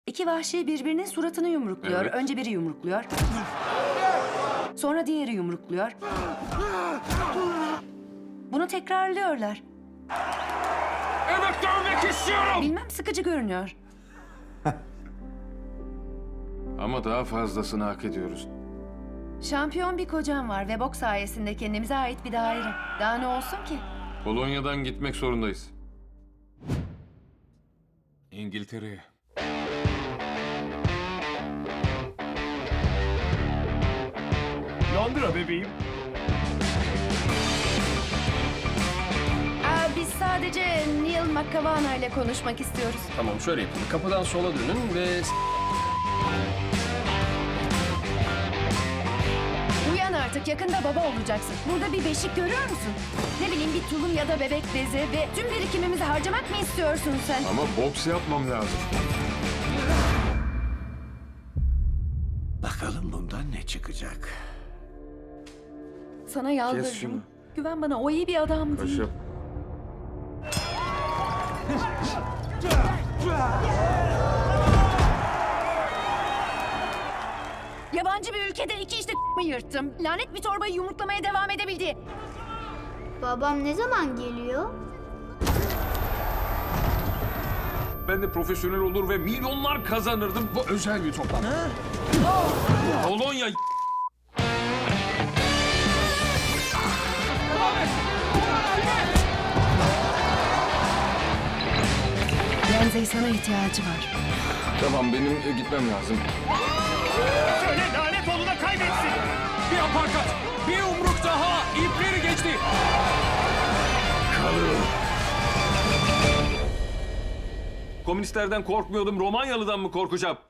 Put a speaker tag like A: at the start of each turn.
A: İki vahşi birbirinin suratını yumrukluyor.
B: Evet.
A: Önce biri yumrukluyor. Sonra diğeri yumrukluyor. Bunu tekrarlıyorlar.
B: Evet, dövmek istiyorum.
A: Bilmem, sıkıcı görünüyor.
B: Ama daha fazlasını hak ediyoruz.
A: Şampiyon bir kocam var ve boks sayesinde kendimize ait bir daire. Daha ne olsun ki?
B: Polonya'dan gitmek zorundayız. İngiltere'ye.
C: Londra bebeğim.
A: Biz sadece Neil McCavana ile konuşmak istiyoruz.
C: Tamam, şöyle yapın. Kapıdan sola dönün ve...
A: Uyan artık, yakında baba olacaksın. Burada bir beşik görüyor musun? Ne bileyim, bir tulum ya da bebek bezi ve tüm birikimimizi harcamak mı istiyorsun sen?
B: Ama boks yapmam lazım.
D: Bakalım bundan ne çıkacak?
A: Sana
B: Kes
A: yalvarırım.
B: şunu.
A: Güven bana, o iyi bir adam değil.
B: Paşam.
A: Yabancı bir ülkede iki işte mı yırttım. Lanet bir torbayı yumruklamaya devam edebildi.
E: Babam ne zaman geliyor?
B: Ben de profesyonel olur ve milyonlar kazanırdım.
C: Bu özel bir toplantı.
B: Polonya.
A: Renzey, sana ihtiyacı var.
B: Tamam, benim gitmem lazım.
C: Söyle lanet oğluna kaybetsin. Bir aparkat, bir yumruk daha. İpleri geçti.
B: Komünistlerden korkmuyordum, Romanyalı'dan mı korkacağım?